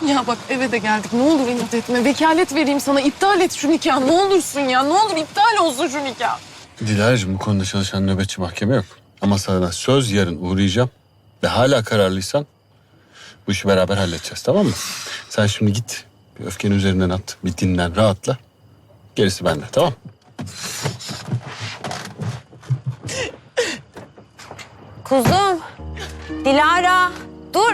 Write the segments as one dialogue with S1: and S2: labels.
S1: Ya bak eve de geldik. Ne olur inat etme. Vekalet vereyim sana. İptal et şu nikahı. Ne olursun ya. Ne olur iptal olsun şu nikah.
S2: Dilara'cığım bu konuda çalışan nöbetçi mahkeme yok. Ama sana söz yarın uğrayacağım. Ve hala kararlıysan bu işi beraber halledeceğiz, tamam mı? Sen şimdi git bir öfkeni üzerinden at. Bir dinlen, rahatla. Gerisi bende, tamam.
S3: Kuzum. Dilara. Dur.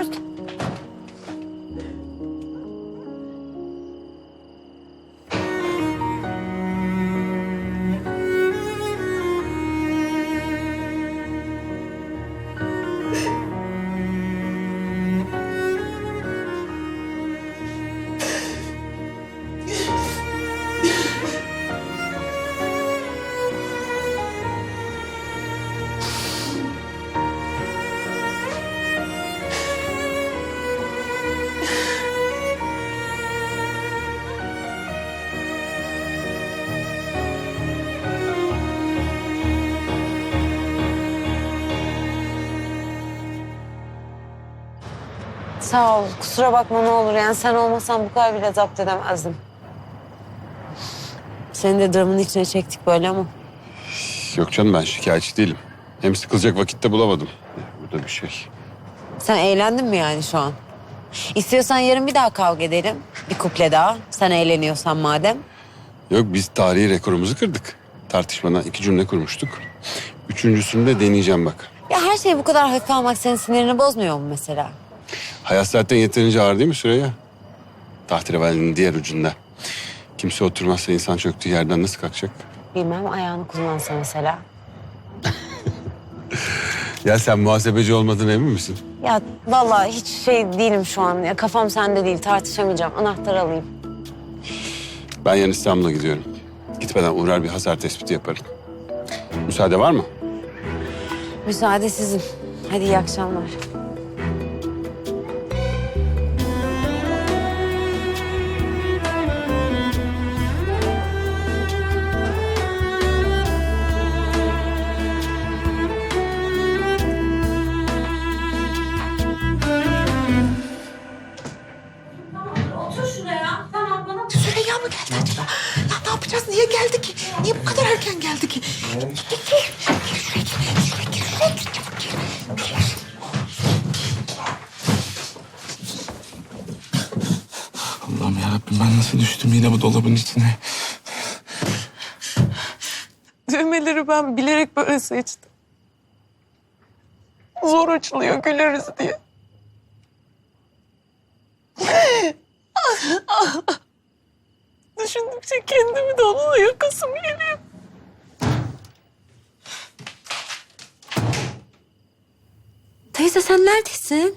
S3: Sağ ol. Kusura bakma ne olur. Yani sen olmasan bu kadar bile zapt edemezdim. Seni de dramın içine çektik böyle ama.
S2: Yok canım, ben şikayetçi değilim. Hem sıkılacak vakitte bulamadım. Bu da bir şey.
S3: Sen eğlendin mi yani şu an? İstiyorsan yarın bir daha kavga edelim. Bir kuple daha. Sen eğleniyorsan madem.
S2: Yok, biz tarihi rekorumuzu kırdık. Tartışmadan 2 cümle kurmuştuk. 3.'sünü de deneyeceğim bak.
S3: Ya her şeyi bu kadar hafife almak senin sinirini bozmuyor mu mesela?
S2: Hayat zaten yeterince ağır değil mi Süreyya? Tahterevalinin diğer ucunda. Kimse oturmazsa insan çöktüğü yerden nasıl kalkacak?
S3: Bilmem ayağını kullansa mesela.
S2: Ya sen muhasebeci olmadığına emin misin?
S3: Ya vallahi hiç şey değilim şu an. Ya kafam sende değil, tartışamayacağım. Anahtarı alayım.
S2: Ben yarın İstanbul'a gidiyorum. Gitmeden uğrar bir hasar tespiti yaparım. Müsaade var mı?
S3: Müsaade sizin. Hadi iyi akşamlar.
S4: Süreyya mı geldi acaba? Ya ne yapacağız? Niye geldi ki? Niye bu kadar erken geldi ki? Gel şuraya gir. Çabuk gir.
S5: Allah'ım yarabbim, ben nasıl düştüm yine bu dolabın içine?
S1: Düğmeleri ben bilerek böyle seçtim. Zor açılıyor güleriz diye. Düşündükçe kendimi de onunla yakasım geliyor.
S3: Teyze sen neredesin?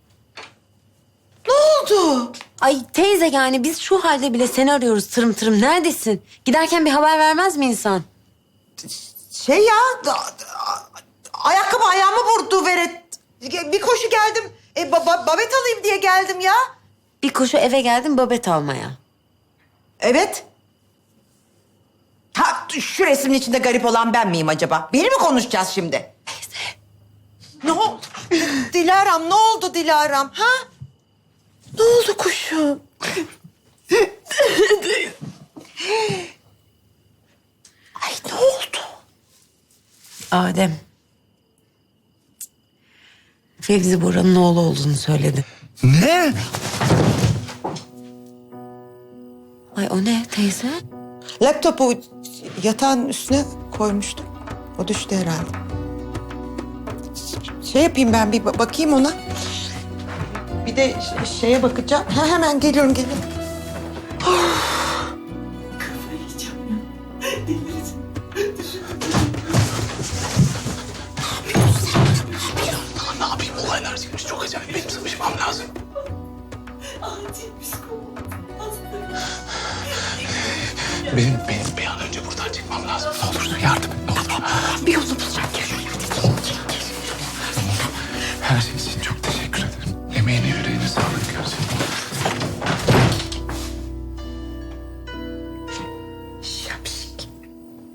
S4: Ne oldu?
S3: Ay teyze yani biz şu halde bile seni arıyoruz tırım tırım. Neredesin? Giderken bir haber vermez mi insan?
S4: Şey ya, ayakkabı ayağımı vurdu Veret. Bir koşu geldim. Babet alayım diye geldim ya.
S3: Bir koşu eve geldim babet almaya.
S4: Evet. Ha, şu resmin içinde garip olan ben miyim acaba? Beni mi konuşacağız şimdi? Teyze. Ne oldu? Dilara'm, ne oldu Dilara'm? Ha? Ne oldu kuşum? Ay ne oldu?
S3: Adem. Fevzi Bora'nın oğlu olduğunu söyledi.
S5: Ne?
S3: Ay o ne teyze?
S4: Laptopu yatağın üstüne koymuştum. O düştü herhalde. Şey yapayım ben bir bakayım ona. Bir de şeye bakacağım. Hemen geliyorum.
S5: Ne yapayım, olaylar çıkmış çok acayip, benim sıvışmam lazım. Benim bir an önce buradan çıkmam lazım. Ne olursun yardım et, ne olur.
S4: Bir